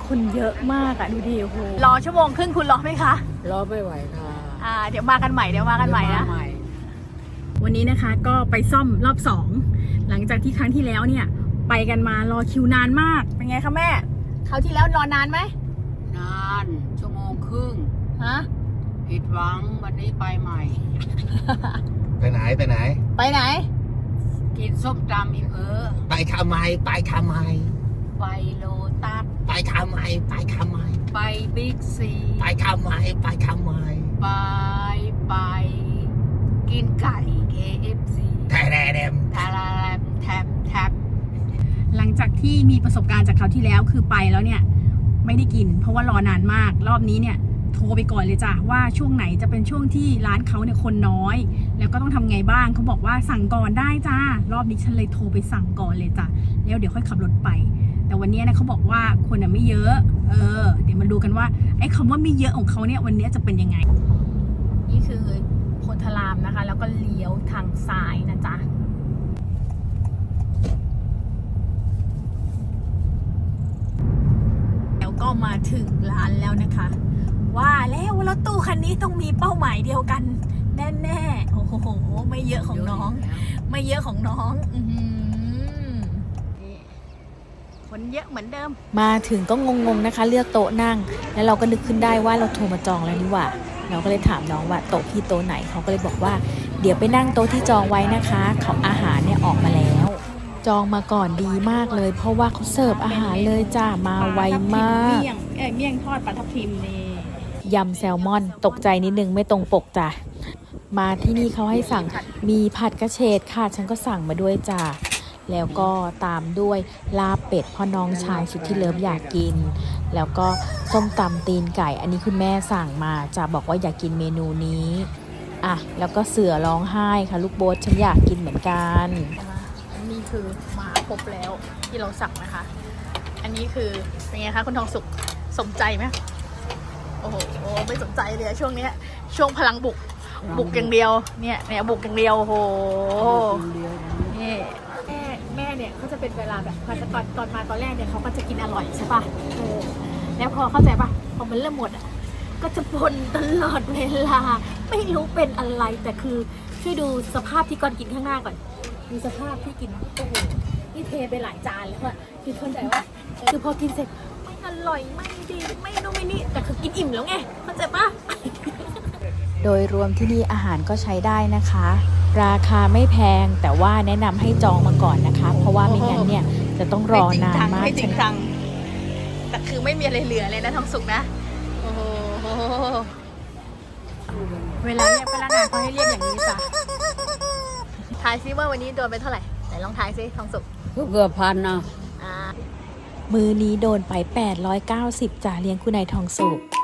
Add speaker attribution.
Speaker 1: คนเยอะมากอะดูดิโอ้โหรอชั่วโมงครึ่งคุณรอไหมคะ
Speaker 2: รอไม่ไหวค่ะ
Speaker 1: เดี๋ยวมากันใหม่นะวันนี้นะคะก็ไปซ่อมรอบ2หลังจากที่ครั้งที่แล้วเนี่ยไปกันมารอคิวนานมากเป็นไงคะแม่คราวที่แล้วรอนานไหม
Speaker 2: นานชั่วโมงครึ่ง
Speaker 1: ฮะ
Speaker 2: ผิดหวังวันนี้ไปใหม่
Speaker 3: ไปไหน
Speaker 2: กินส้มตำอีก
Speaker 3: ไปทำไม
Speaker 2: ไปโลตัส
Speaker 3: ไป
Speaker 2: บิ๊กซี
Speaker 3: ไปทำไม
Speaker 2: ไปกินไก่ KFC
Speaker 3: แทม
Speaker 1: หลังจากที่มีประสบการณ์จากคราวที่แล้วคือไปแล้วเนี่ยไม่ได้กินเพราะว่ารอนานมากรอบนี้เนี่ยโทรไปก่อนเลยจ้ะว่าช่วงไหนจะเป็นช่วงที่ร้านเขาเนี่ยคนน้อยแล้วก็ต้องทำไงบ้างเขาบอกว่าสั่งก่อนได้จ้ารอบนี้ฉันเลยโทรไปสั่งก่อนเลยจ้ะแล้วเดี๋ยวค่อยขับรถไปแต่วันนี้นะเขาบอกว่าคนไม่เยอะเดี๋ยวมาดูกันว่าไอ้คำว่าไม่เยอะของเขาเนี่ยวันนี้จะเป็นยังไงนี่คือโพธารามนะคะแล้วก็เลี้ยวทางซ้ายนะจ๊ะแล้วก็มาถึงร้านแล้วนะคะว่าแล้วรถตู้คันนี้ต้องมีเป้าหมายเดียวกันแน่ๆโอ้โหไม่เยอะของน้องคนเยอะเหมือนเดิมมาถึงก็งงๆนะคะเลือกโต๊ะนั่งแล้วเราก็นึกขึ้นได้ว่าเราโทรมาจองแล้วนี่หว่าเราก็เลยถามน้องว่าโต๊ะพี่โต๊ะไหนเขาก็เลยบอกว่าเดี๋ยวไปนั่งโต๊ะที่จองไว้นะคะเขาอาหารเนี่ยออกมาแล้วจองมาก่อนดีมากเลยเพราะว่าเขาเสิร์ฟอาหารเลยจ้ามาไวมากเมี่ยงทอดปลาทับทิมนี่ยำแซลมอนตกใจนิดนึงไม่ตรงปกจ้ะมาที่นี่เขาให้สั่งมีผัดกระเฉดค่ะฉันก็สั่งมาด้วยจ้ะแล้วก็ตามด้วยลาบเป็ดพ่อน้องชายสุดที่เลิฟอยากกินแล้วก็ส้มตำตีนไก่อันนี้คุณแม่สั่งมาจะบอกว่าอยากกินเมนูนี้แล้วก็เสือร้องไห้ค่ะลูกโบ๊ทฉันอยากกินเหมือนกันอันนี้คือมาครบแล้วที่เราสั่งนะคะอันนี้คือเป็นไงคะคุณทองสุขสมใจไหมโอ้โหไม่สนใจเลยช่วงนี้ช่วงพลังบุกอย่างเดียวเนี่ยบุกอย่างเดียวโอ้โหนี่แม่เนี่ยเขาจะเป็นเวลาแบบตอนมาตอนแรกเนี่ยเขาก็จะกินอร่อยใช่ป่ะแล้วพอเข้าใจป่ะพอมันเริ่มหมดก็จะบ่นตลอดเวลาไม่รู้เป็นอะไรแต่คือช่วยดูสภาพที่ก่อนกินข้างหน้าก่อนดูสภาพที่กินโอ้โหนี่เทไปหลายจานแล้วอะคือเข้าใจว่าคือพอกินเสร็จไม่อร่อยไม่ดีไม่นู่นไม่นี่แต่คือกินอิ่มแล้วไงเข้าใจป่ะโดยรวมที่นี่อาหารก็ใช้ได้นะคะราคาไม่แพงแต่ว่าแนะนำให้จองมาก่อนนะคะเพราะว่าไม่งั้นเนี่ยจะต้องรอนานมากจริงจังแต่คือไม่มีอะไรเหลือเลยนะทองสุกนะโอ้โหเวลาเนี่ยพนักงานเขาให้เรียกอย่างนี้จ้ะทายซิว่าวันนี้โดนไปเท่าไหร่ไหนลองทายซิทองสุก
Speaker 2: เกือบพันนะ
Speaker 1: มือนี้โดนไป890จ้ะเลี้ยงคุณนายทองสุก